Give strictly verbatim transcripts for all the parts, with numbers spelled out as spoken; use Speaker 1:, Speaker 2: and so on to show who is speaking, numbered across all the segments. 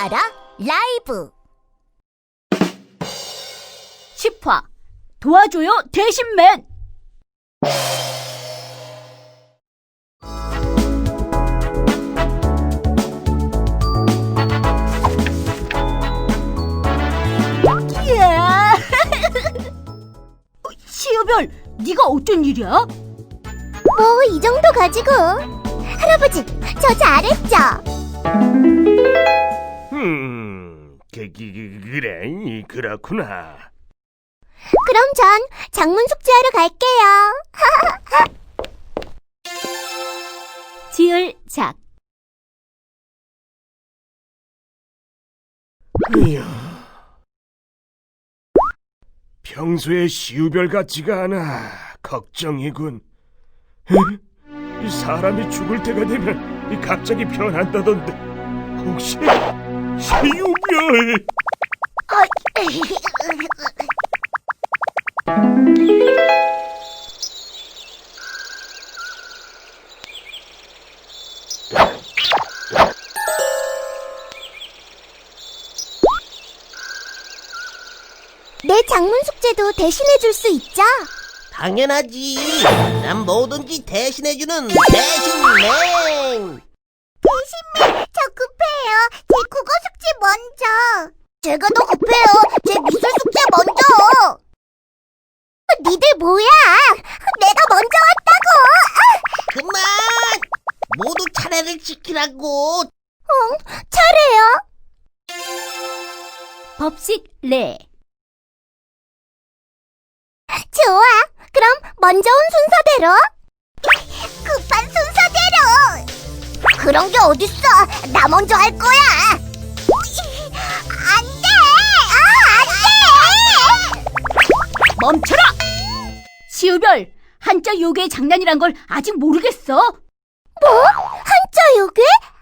Speaker 1: 마라 라이브
Speaker 2: 십 화 도와줘요 대신맨. 이야. 시우별, 네가 어쩐 일이야?
Speaker 1: 뭐 이 정도 가지고. 할아버지, 저 잘했죠?
Speaker 3: 음, 그, 그, 그, 그래, 그렇구나.
Speaker 1: 그럼 전 작문 숙제하러 갈게요.
Speaker 2: 지을 작.
Speaker 3: 이야, 평소에 시우별 같지가 않아. 걱정이군. 에? 이 사람이 죽을 때가 되면 이 갑자기 변한다던데. 혹시 시우별?
Speaker 1: 내 작문 숙제도 대신해줄 수 있죠?
Speaker 4: 당연하지. 난 뭐든지 대신해주는 대신맨.
Speaker 1: 대신맨, 저 급해요. 제 국어 숙제 먼저. 제가 더 급해요. 제 미술 숙제 먼저. 니들 뭐야? 내가 먼저 왔다고.
Speaker 4: 그만. 모두 차례를 지키라고.
Speaker 1: 응, 차례요.
Speaker 2: 법식 레.
Speaker 1: 좋아. 그럼 먼저 온 순서대로. 급한 순서대로. 그런 게 어딨어. 나 먼저 할 거야. 안 돼. 아, 안 돼.
Speaker 2: 멈춰라! 시우별, 한자 요괴의 장난이란 걸 아직 모르겠어?
Speaker 1: 뭐? 한자 요괴?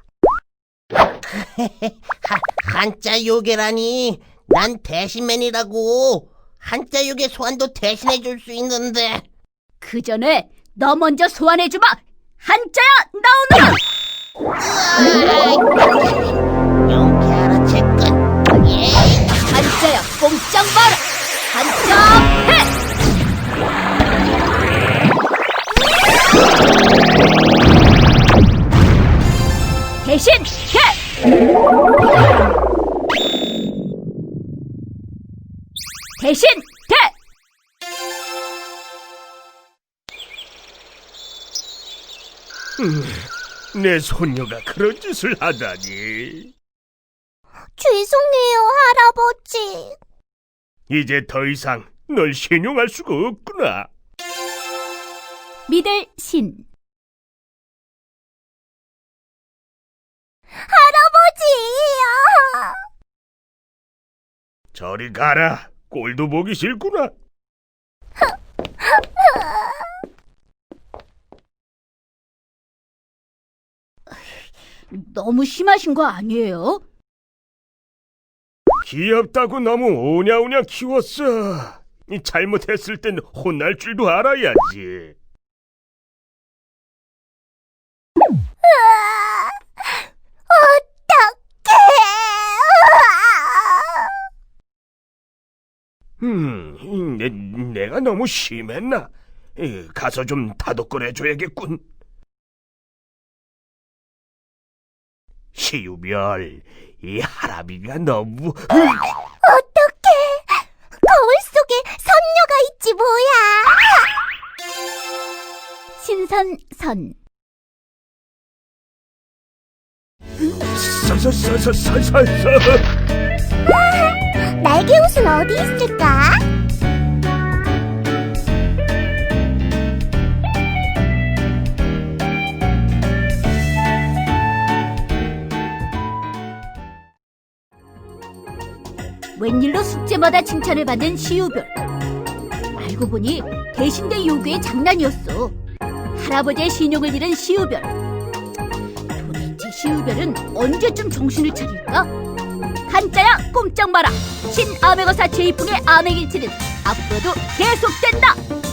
Speaker 4: 하, 한자 요괴라니. 난 대신맨이라고. 한자 요괴 소환도 대신해줄 수 있는데.
Speaker 2: 그 전에 너 먼저 소환해주마! 한자야, 나오너라!
Speaker 4: 용케 알아챘군. 예.
Speaker 2: 한자야, 꼼짝 마라! 한자 해! 대신 해! 대신 돼!
Speaker 3: 음, 내 손녀가 그런 짓을 하다니.
Speaker 1: 죄송해요, 할아버지.
Speaker 3: 이제 더 이상 널 신용할 수가 없구나.
Speaker 2: 믿을 신.
Speaker 1: 할아버지!
Speaker 3: 저리 가라. 꼴도 보기 싫구나.
Speaker 2: 너무 심하신 거 아니에요?
Speaker 3: 귀엽다고 너무 오냐오냐 키웠어. 이 잘못했을 땐 혼날 줄도 알아야지. 음, 내, 내가 너무 심했나? 에, 가서 좀 다독거려줘야겠군. 시우별, 이 할아비가 너무...
Speaker 1: 어떡해. 거울 속에 선녀가 있지 뭐야.
Speaker 2: 신선선.
Speaker 3: 서서서서서서.
Speaker 1: 날개 옷은 어디 있을까?
Speaker 2: 웬일로 숙제마다 칭찬을 받는 시우별. 알고 보니 대신대 요괴의 장난이었어. 할아버지의 신용을 잃은 시우별. 도대체 시우별은 언제쯤 정신을 차릴까? 한자야, 꼼짝 마라! 신아메거사 제이풍의 암행일치는 앞으로도 계속된다!